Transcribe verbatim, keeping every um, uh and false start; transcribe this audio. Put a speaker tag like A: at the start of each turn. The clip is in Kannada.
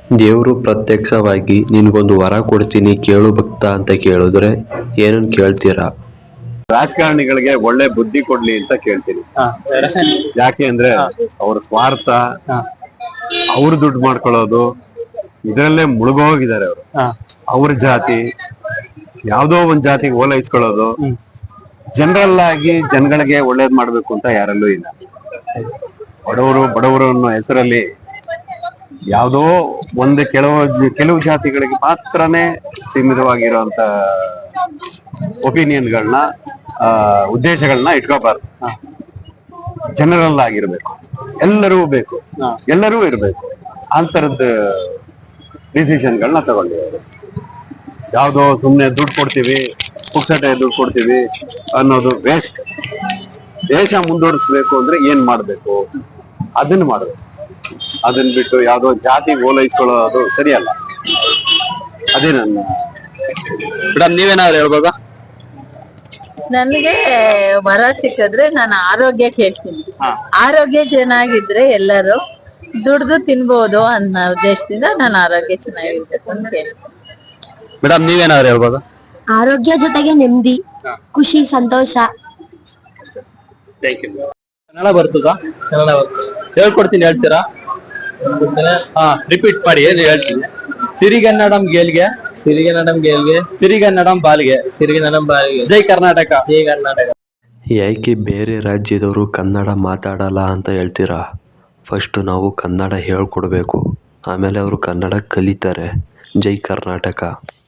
A: ದೇವರು ಪ್ರತ್ಯಕ್ಷವಾಗಿ ನಿನಗೊಂದು ವರ ಕೊಡ್ತೀನಿ ಕೇಳು ಭಕ್ತ ಅಂತ ಕೇಳಿದ್ರೆ ಏನನ್ನು ಕೇಳ್ತೀರಾ?
B: ರಾಜಕಾರಣಿಗಳಿಗೆ ಒಳ್ಳೆ ಬುದ್ಧಿ ಕೊಡ್ಲಿ ಅಂತ ಕೇಳ್ತೀನಿ. ಯಾಕೆ ಅಂದ್ರೆ ಅವ್ರ ಸ್ವಾರ್ಥ, ಅವ್ರ ದುಡ್ಡು ಮಾಡ್ಕೊಳ್ಳೋದು ಇದರಲ್ಲೇ ಮುಳುಗೋಗಿದ್ದಾರೆ. ಅವರು ಅವ್ರ ಜಾತಿ ಯಾವ್ದೋ ಒಂದ್ ಜಾತಿಗೆ ಓಲೈಸ್ಕೊಳ್ಳೋದು, ಜನರಲ್ ಆಗಿ ಜನಗಳಿಗೆ ಒಳ್ಳೇದ್ ಮಾಡ್ಬೇಕು ಅಂತ ಯಾರಲ್ಲೂ ಇಲ್ಲ. ಬಡವರು ಬಡವರು ಅನ್ನೋ ಹೆಸರಲ್ಲಿ ಯಾವುದೋ ಒಂದು ಕೆಲವು ಕೆಲವು ಜಾತಿಗಳಿಗೆ ಮಾತ್ರನೇ ಸೀಮಿತವಾಗಿರುವಂತ ಒಪಿನಿಯನ್ಗಳನ್ನ ಉದ್ದೇಶಗಳನ್ನ ಇಟ್ಕೋಬಾರ್ದು. ಜನರಲ್ ಆಗಿರ್ಬೇಕು, ಎಲ್ಲರೂ ಬೇಕು, ಎಲ್ಲರೂ ಇರ್ಬೇಕು ಅಂತರದ ಡಿಸಿಷನ್ಗಳನ್ನ ತಗೊಂಡಿದ್ದಾರೆ. ಯಾವುದೋ ಸುಮ್ಮನೆ ದುಡ್ಡು ಕೊಡ್ತೀವಿ, ಪುಕ್ಸಟೆ ದುಡ್ಡು ಕೊಡ್ತೀವಿ ಅನ್ನೋದು ವೇಸ್ಟ್. ದೇಶ ಮುಂದುವರಿಸ್ಬೇಕು ಅಂದ್ರೆ ಏನ್ ಮಾಡ್ಬೇಕು ಅದನ್ನ ಮಾಡ್ಬೇಕು. ಅದನ್ನ ಬಿಟ್ಟು ಯಾವ್ದೋ ಜಾತಿ ಓಲೈಸ್ಕೊಳ್ಳೋದು ಸರಿಯಲ್ಲ. ಅದೇ ನನ್ನ ಮೇಡಮ್. ನೀವೇನಾದ್ರು ಹೇಳ್ಬೋದಾ?
C: ನನ್ಗೆ ವರ ಸಿಕ್ಕಿದ್ರೆ ನಾನು ಆರೋಗ್ಯ ಕೇಳ್ತೀನಿ. ಆರೋಗ್ಯ ಚೆನ್ನಾಗಿದ್ರೆ ಎಲ್ಲರೂ ದುಡ್ದು ತಿನ್ಬೋದು ಅನ್ನೋ ಉದ್ದೇಶದಿಂದ ನಾನು ಆರೋಗ್ಯ ಚೆನ್ನಾಗಿರ್ಬೇಕು ಅಂತ ಕೇಳ್ತೀನಿ.
B: ಮೇಡಮ್, ನೀವೇನಾದ್ರು ಹೇಳ್ಬೋದಾ?
D: ಆರೋಗ್ಯ ಜೊತೆಗೆ ನೆಮ್ಮದಿ, ಖುಷಿ, ಸಂತೋಷ.
E: ಕನ್ನಡ ಬರ್ತದಾ? ಕನ್ನಡ ಹೇಳ್ಕೊಡ್ತೀನಿ, ಹೇಳ್ತೀರಾ? ಹಾ, ರಿಪೀಟ್ ಮಾಡಿ. ಏನು ಹೇಳ್ತೀನಿ? ಸಿರಿಗನ್ನಡಂ ಗೇಲ್ಗೆ, ಸಿರಿಗನ್ನಡಂ ಗೇಲ್ಗೆ, ಸಿರಿಗನ್ನಡಂ ಬಾಲ್ಗೆ, ಸಿರಿಗನ್ನಡಂ ಬಾಲ್ಗೆ. ಜೈ ಕರ್ನಾಟಕ, ಜೈ ಕರ್ನಾಟಕ.
A: ಯಾಕೆ ಬೇರೆ ರಾಜ್ಯದವರು ಕನ್ನಡ ಮಾತಾಡಲ್ಲ ಅಂತ ಹೇಳ್ತೀರಾ? ಫಸ್ಟು ನಾವು ಕನ್ನಡ ಹೇಳ್ಕೊಡ್ಬೇಕು, ಆಮೇಲೆ ಅವರು ಕನ್ನಡ ಕಲಿತಾರೆ. ಜೈ ಕರ್ನಾಟಕ.